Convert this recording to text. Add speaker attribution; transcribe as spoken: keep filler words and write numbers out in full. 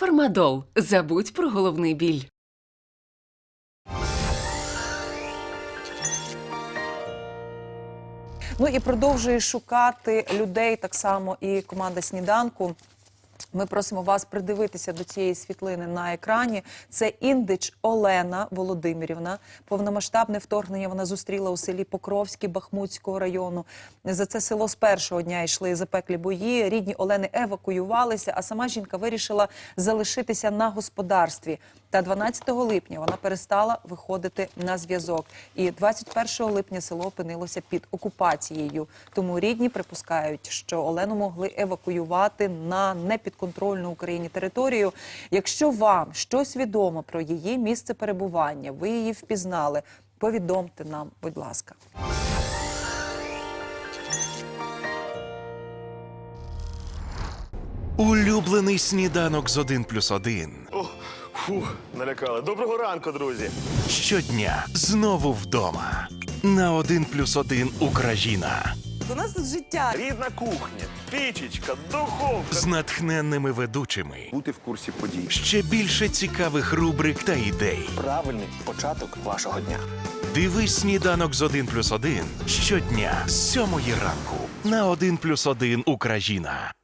Speaker 1: Фармадол. Забудь про головний біль.
Speaker 2: Ну і продовжує шукати людей так само і команда «Сніданку». Ми просимо вас придивитися до цієї світлини на екрані. Це Індич Олена Володимирівна. Повномасштабне вторгнення вона зустріла у селі Покровське Бахмутського району. За це село з першого дня йшли запеклі бої. Рідні Олени евакуювалися, а сама жінка вирішила залишитися на господарстві. Та дванадцятого липня вона перестала виходити на зв'язок. І двадцять першого липня село опинилося під окупацією. Тому рідні припускають, що Олену могли евакуювати на непідконтрольну Україні територію. Якщо вам щось відомо про її місце перебування, ви її впізнали, повідомте нам, будь ласка.
Speaker 3: Улюблений сніданок з один плюс один.
Speaker 4: О, фух, налякали. Доброго ранку, друзі.
Speaker 3: Щодня знову вдома. На один плюс один Україна.
Speaker 2: У нас тут життя.
Speaker 4: Рідна кухня, пічечка, духовка.
Speaker 3: З натхненними ведучими.
Speaker 5: Бути в курсі подій.
Speaker 3: Ще більше цікавих рубрик та ідей.
Speaker 5: Правильний початок вашого дня.
Speaker 3: Дивись сніданок з один плюс один щодня з сьомої ранку. На один плюс один Україна.